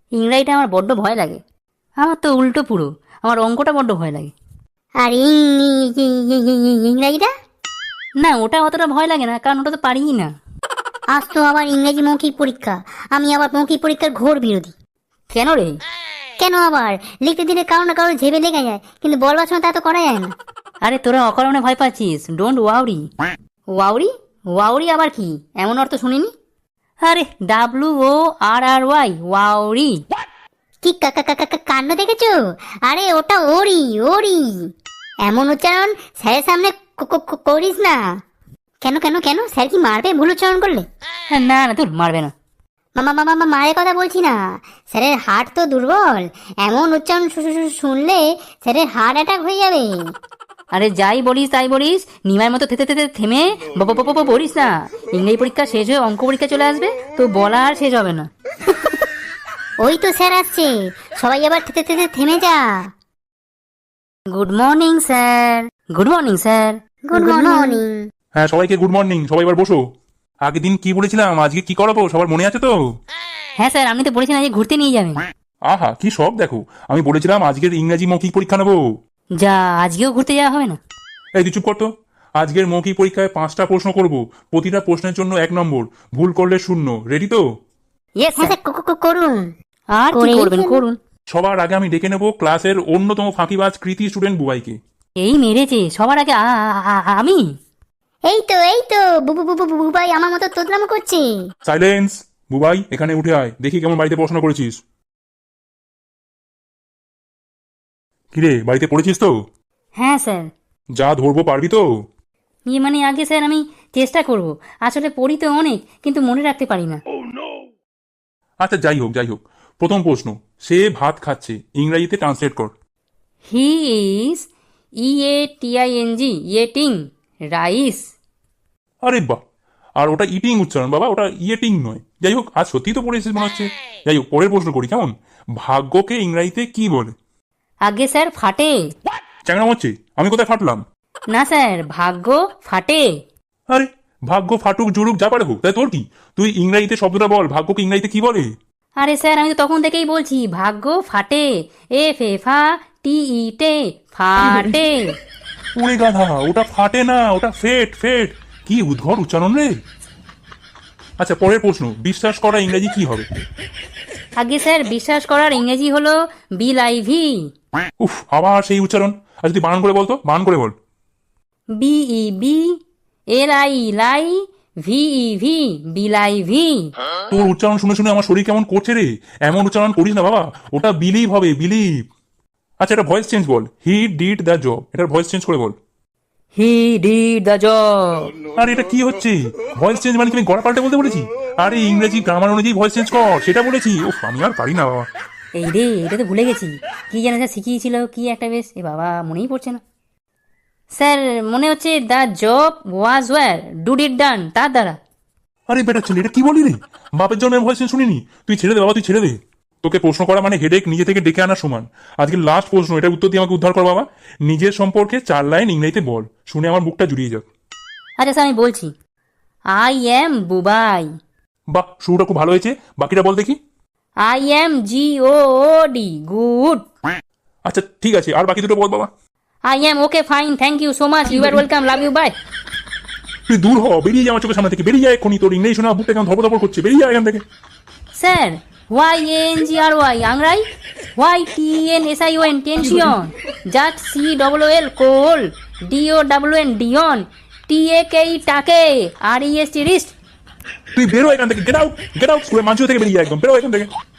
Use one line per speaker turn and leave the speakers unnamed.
ইংরাজিটা আমার বড্ড ভয় লাগে। আমার তো উল্টো পুরো, আমার অঙ্কটা বড্ড ভয় লাগে।
আর ইংরাজিটা?
না, ওটা অতটা ভয় লাগে না, কারণ ওটা তো পারিই না।
আজ তো আবার ইংরেজি মৌখিক পরীক্ষা। আমি আবার মৌখিক পরীক্ষার ঘোর বিরোধী।
কেন রে?
কেন আবার? লিখতে দিলে কারো না কারো ঝেবে লেগে যায়, কিন্তু বলবার সময় তা তো করা যায় না।
আরে তোরা অকারণে ভয় পাচ্ছিস। ডোন্ট ওয়াউরি। ওয়াউরি? ওয়াউরি আবার কি? এমন অর্থ শুনিনি। আরে WORRY, ওয়াউরি।
কি কাণ্ড দেখেছো? আরে ওটা ওরি ওরি। এমন উচ্চারণ স্যারের সামনে করিস না। কেন কেন কেন, স্যার কি মারবে ভুল উচ্চারণ করলে?
না না, তোর মারবে না।
মামা মায়ের কথা বলছি না, স্যারের হার্ট তো দুর্বল। এমন উচ্চারণ শুনলে স্যারের হার্ট অ্যাটাক হয়ে যাবে।
আরে যাই বলিস তাই বলিস, নিমার মতো থেতে থেতে থেমে বলিস না। ইংরেজি পরীক্ষা শেষ হয়ে অঙ্ক পরীক্ষা চলে আসবে, তো বলা আর শেষ হবে না।
ওই তো স্যার আসছে, সবাই আবার থেমে যা।
Good morning sir. Good morning sir.
Good morning.
হ্যাঁ, সবাইকে গুড মর্নিং। সবাই এবার বসো। আগের দিন কি বলেছিলাম, আজকে কি করাবো সবার মনে আছে তো?
হ্যাঁ স্যার, আপনি তো বলেছেন আজকে ঘুরতে নিয়ে যাবেন।
আহা, কি সব দেখো। আমি বলেছিলাম আজকের ইংরাজি মৌখিক পরীক্ষা নেবো।
যা, আজকেও ঘুরতে যাওয়া হবে না?
এই তুই চুপ করতো। আজকের মৌখিক পরীক্ষায় 5টা প্রশ্ন করব, প্রতিটা প্রশ্নের জন্য 1 নম্বর, ভুল করলে 0। রেডি তো?
ইয়েস
হ্যাঁ
স্যার।
স্যার, করুন।
আর কি করবেন করুন।
সবার আগে আমি ডেকে নেব ক্লাসের অন্যতম ফাঁকিবাজ কৃতি স্টুডেন্ট বুবাইকে।
এই মেরেছে সবার আগে আমি।
এই তো বুবাই আমার মতো তোতলামো করছে।
সাইলেন্স। বুবাই, এখানে উঠে আয়, দেখি কেমন বাড়িতে পড়াশোনা করেছিস। কিরে, বাড়িতে পড়েছিস তো?
হ্যাঁ স্যার।
যা ধরবো পারবি তো?
মানে আগে স্যার আমি চেষ্টা করব। আসলে পড়ি তো অনেক, কিন্তু মনে রাখতে পারি না।
আচ্ছা, যাই হোক। প্রথম প্রশ্ন, সে ভাত খাচ্ছে, ইংরেজিতে ট্রান্সলেট কর।
He is eating rice.
আরে বাহ! আর ওটা ইটিং উচ্চারণ বাবা, ওটা ইয়েটিং নয়। যাই হোক, আজ সত্যি তো পড়েছিস মনে হচ্ছে। যাই হোক, পরের প্রশ্ন করি কেমন। ভাগ্যকে ইংরাজিতে কি বলে?
আগে স্যার ফাটে।
চ্যাংড়া হচ্ছে? আমি কোথায় ফাটলাম?
না স্যার, ভাগ্য ফাটে।
আরে, ভাগ্য ফাটুক জুড়ুক যা পারে হোক, তাই তোর কি? তুই ইংরাজিতে শব্দটা বল, ভাগ্যকে ইংরাজিতে কি বলে?
আরে স্যার, আমি তো তখন থেকেই বলছি ভাগ্য ফাটে। FATE ফাটে।
ওরে গাধা, ওটা ফাটে না, ওটা ফেট। কি উদ্ভট উচ্চারণ রে। আচ্ছা, পরের প্রশ্ন, বিশ্বাস করা ইংরেজি কি হবে?
আগে স্যার, বিশ্বাস করার ইংরেজি হলো বিলাইভি।
উফ, আবার সেই উচ্চারণ। আচ্ছা, তুই বানান করে বল তো, বানান করে বল।
BEBLIVI বিলাইভি।
তোর উচ্চারণ শুনে শুনে আমার শরীর কেমন করছে রে। এমন উচ্চারণ করিস না বাবা, ওটা বিলিভ হবে, বিলিভ। আচ্ছা, এটা ভয়েস চেঞ্জ বল। হি ডিড দ্য জব, এটার ভয়েস চেঞ্জ করে বল।
He did the job.
আরে এটা কি হচ্ছে? ভয়েস চেঞ্জ মানে কি আমি গড়া পাল্টে বলতে বলেছি? আরে ইংরেজি গ্রামার অনুযায়ী ভয়েস চেঞ্জ কর, সেটা বলেছি। ওহ, আমি আর পারি না বাবা।
এই রে, এটা তো ভুলে গেছি। কি যেন স্যার শিখিয়েছিল, কি একটা বেশ, এ বাবা মনেই পড়ছে না। স্যার, মনে হচ্ছে the job was were dude it done, তার দ্বারা।
আরে বেটা ছেলে, এটা কি বলি রে? বাপের জন্য ভয়েস চেঞ্জ শুনিনি। তুই ছেড়ে দে বাবা, তুই ছেড়ে দে। তোকে প্রশ্ন করা মানে হেডেক নিজে থেকে ডেকে আনার সমান। আজকে লাস্ট প্রশ্ন, এটা উত্তর দিয়ে আমাকে উদ্ধার কর বাবা। নিজের সম্পর্কে 4 লাইন ইংরেজিতে বল, শুনে আমার বুকটা জুড়িয়ে যাক।
আচ্ছা স্যার, আমি বলছি। I am Bubai.
বাহ, শুরুটা খুব ভালো হয়েছে। বাকিটা বল দেখি।
I am GOOD good.
আচ্ছা ঠিক আছে, আর বাকি দুটো বল বাবা।
I am okay fine, thank you so much, you are welcome, love you, bye.
তুই দূর হ, বেরিয়ে যা আমার চোখের সামনে থেকে, বেরিয়ে যায় এক্ষুনি। তোর ইংরেজি শোনা বুকটা কেমন ধপধপ করছে, বেরিয়ে যায় এখান থেকে।
স্যার, YANGRY আংরাই, YTNSION টেনশন, জাট COOL কোল, DOWN ডিয়ন, TAKE টাকে, REST রিস্ট।
তুই বেরো এখান থেকে, গেট আউট। স্কুলের মাঝে থেকে বেরিয়ে যায় একদম, বেরো এখান থেকে।